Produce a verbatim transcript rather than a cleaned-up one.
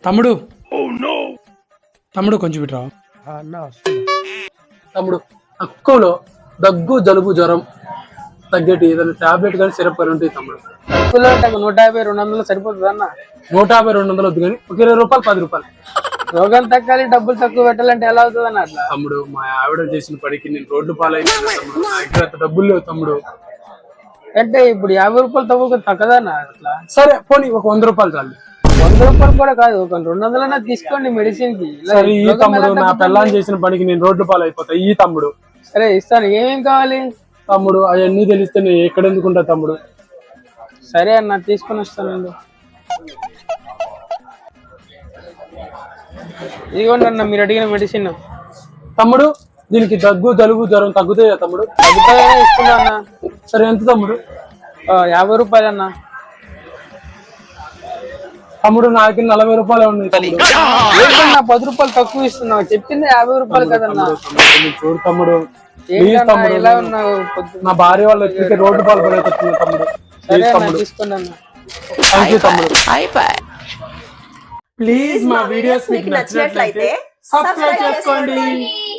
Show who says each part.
Speaker 1: తమ్ముడు తమ్ముడు కొంచెం ఇటు రా. తమ్ముడు తక్కువలో దగ్గు జలుబు జ్వరం తగ్గేటి ఏదైనా టాబ్లెట్ కానీ సిరప్ కానీ ఉంటాయి తమ్ముడు.
Speaker 2: తక్కువలో అంటే నూట యాభై రెండు వందలు సరిపోతుంది అన్న.
Speaker 1: నూట యాభై రెండు వందలు వద్దు కానీ ఒక ఇరవై రూపాయలు పది రూపాయలు.
Speaker 2: రోగం తగ్గాలి డబ్బులు తక్కువ పెట్టాలంటే ఎలా అవుతుంది అన్న అట్లా?
Speaker 1: తమ్ముడు మా ఆవిడ చేసిన పడికి నేను రోడ్డు పాలైపోయినా తమ్ముడు. నా దగ్గర అంత డబ్బులు లేవు తమ్ముడు.
Speaker 2: అంటే ఇప్పుడు యాభై రూపాయలు తక్కువ తగ్గదన్న అట్లా?
Speaker 1: సరే పోనీ ఒక వంద రూపాయలు చాలు.
Speaker 2: వంద రూపాయలు కూడా కాదు, ఒక రెండు వందలన్నా తీసుకోండి మెడిసిన్ కి.
Speaker 1: సరే ఈ తమ్ముడు నా పిల్లని చేసిన పనికి నేను రోడ్డు పాలు అయిపోతా ఈ తమ్ముడు.
Speaker 2: సరే ఇస్తాను. ఏమేం కావాలి
Speaker 1: తమ్ముడు? అవన్నీ తెలిస్తే నేను ఎక్కడ ఎందుకుంటా తమ్ముడు.
Speaker 2: సరే అన్న తీసుకొని వస్తానండి. ఇదిగోండి అన్న మీరు అడిగిన మెడిసిన్.
Speaker 1: తమ్ముడు దీనికి దగ్గు జలుబు జ్వరం తగ్గుతాయా తమ్ముడు?
Speaker 2: తగ్గుతాయనే ఇస్తున్నా అన్న.
Speaker 1: సరే ఎంత తమ్ముడు?
Speaker 2: యాభై రూపాయలు అన్న.
Speaker 1: తమ్ముడు నా దగ్గర నలభై రూపాయలు ఉన్నాయి తమ్ముడు.
Speaker 2: ఏంటన్నా పది రూపాయలు తక్కువ ఇస్తున్నావు? చెప్పింది యాభై రూపాయలు కదన్నా.
Speaker 1: చూడు తమ్ముడు
Speaker 2: ఎలా ఉన్నావు?
Speaker 1: నా భార్య వాళ్ళు ఎక్కడికి రోడ్డు పాలు పడేస్తున్నా తమ్ముడు.
Speaker 2: తీసుకోండి అన్న.
Speaker 1: థ్యాంక్ యూ తమ్ముడు. ప్లీజ్ మా వీడియోస్ మీకు నచ్చినట్లయితే సబ్స్క్రైబ్ చేసుకోండి.